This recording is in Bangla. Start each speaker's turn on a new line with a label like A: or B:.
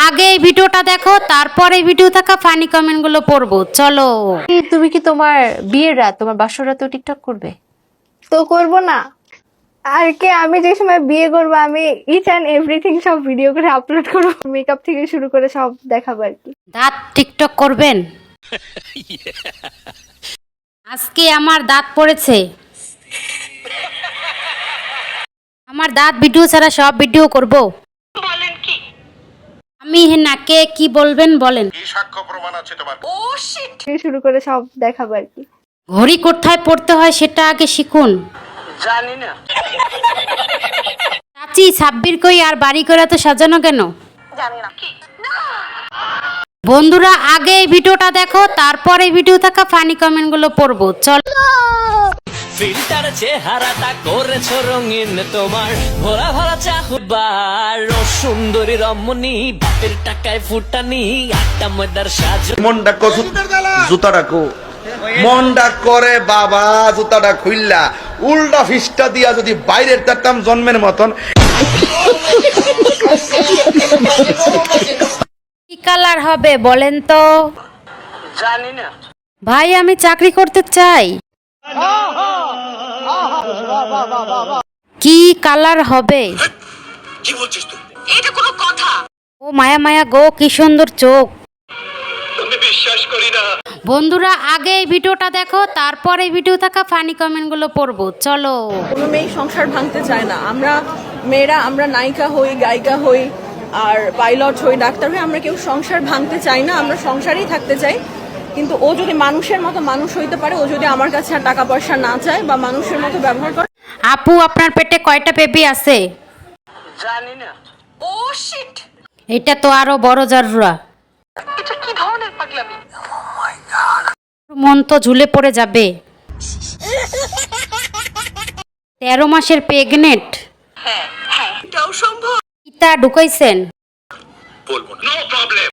A: আগে এই ভিডিওটা দেখো, তারপরে এই ভিডিও থাকা ফানি কমেন্ট গুলো পড়বো। চলো।
B: তুমি কি তোমার বিয়ের রাত, তোমার বাসর রাতেও টিকটক করবে?
C: তো করব না আর কে? আমি যে সময় বিয়ে করবো আমি ইচ অ্যান্ড এভরিথিং সব ভিডিও করে আপলোড করবো, মেকআপ থেকে শুরু করে সব দেখাবো আর কি।
A: দাঁত টিকটক করবেন? আজকে আমার দাঁত পড়েছে। আমার দাঁত ভিডিও ছাড়া সব ভিডিও করব। বলেন কি? আমি না, কে কি বলবেন বলেন।
D: কি সাক্ষ্য প্রমাণ আছে তোমার?
C: থেকে শুরু করে সব দেখাবো আর কি।
A: ঘড়ি কোথায় পড়তে হয় সেটা আগে শিখুন।
E: জানি না।
A: চাচি, সাব্বির কই আর বাড়ি করে তো সাজানো কেন?
E: জানি না কি?
A: বন্ধুরা, আগে এই ভিডিওটা দেখো, তারপরে এই ভিডিও থাকা ফানি কমেন্ট গুলো পড়বো। চলো।
F: ফিল্টার চেহারাটা করেছো রঙিন, তোমার ভরা ভরা চাহুবার ও সুন্দরী রমণী, বাপের টাকায় ফুটানি আটটা ময়দার সাজ।
D: মনটা কসু জুতাটা কো মনটা করে বাবা, জুতাটা খুইল্লা উল্টা ফিসটা দিয়া যদি বাইরের তারতাম জন্মের মতন।
A: কি কালার হবে বলেন তো?
E: জানি না।
A: ভাই, আমি চাকরি করতে চাই। কি কালার হবে?
D: কি বলছিস তুই?
E: এটা কোনো কথা?
A: ও মায়া মায়া গো, কি সুন্দর চোখ।
D: আমি বিশ্বাস করি না।
A: বন্ধুরা, আগে এই ভিডিওটা দেখো, তারপরে এই ভিডিও থাকা ফানি কমেন্ট গুলো পড়বো। চলো।
G: কোনো মেয়ে সংসার ভাঙতে চায় না। আমরা মেয়েরা, আমরা নায়িকা হই, গায়িকা হই, আর পাইলট হই, ডাক্তার হই, আমরা কেউ সংসার ভাঙতে চাই না। আমরা সংসারেই থাকতে চাই। কিন্তু ও যদি মানুষের মতো মানুষ হইতে পারে, ও যদি আমার কাছে আর টাকা পয়সা না চায় বা মানুষের মতো ব্যবহার করে।
A: আপু, আপনার পেটে কয়টা বেবি আছে?
E: জানি না। ও শিট!
A: এটা তো আরো বড় জারুরা।
E: এটা কি ধরনের পাগলামি?
A: মন তো ঝুলে পড়ে যাবে। 13 মাসের প্রেগনেন্ট।
E: হ্যাঁ, এটাও সম্ভব।
A: ইটা ঢুকাইছেন?
D: বলবো না। No problem.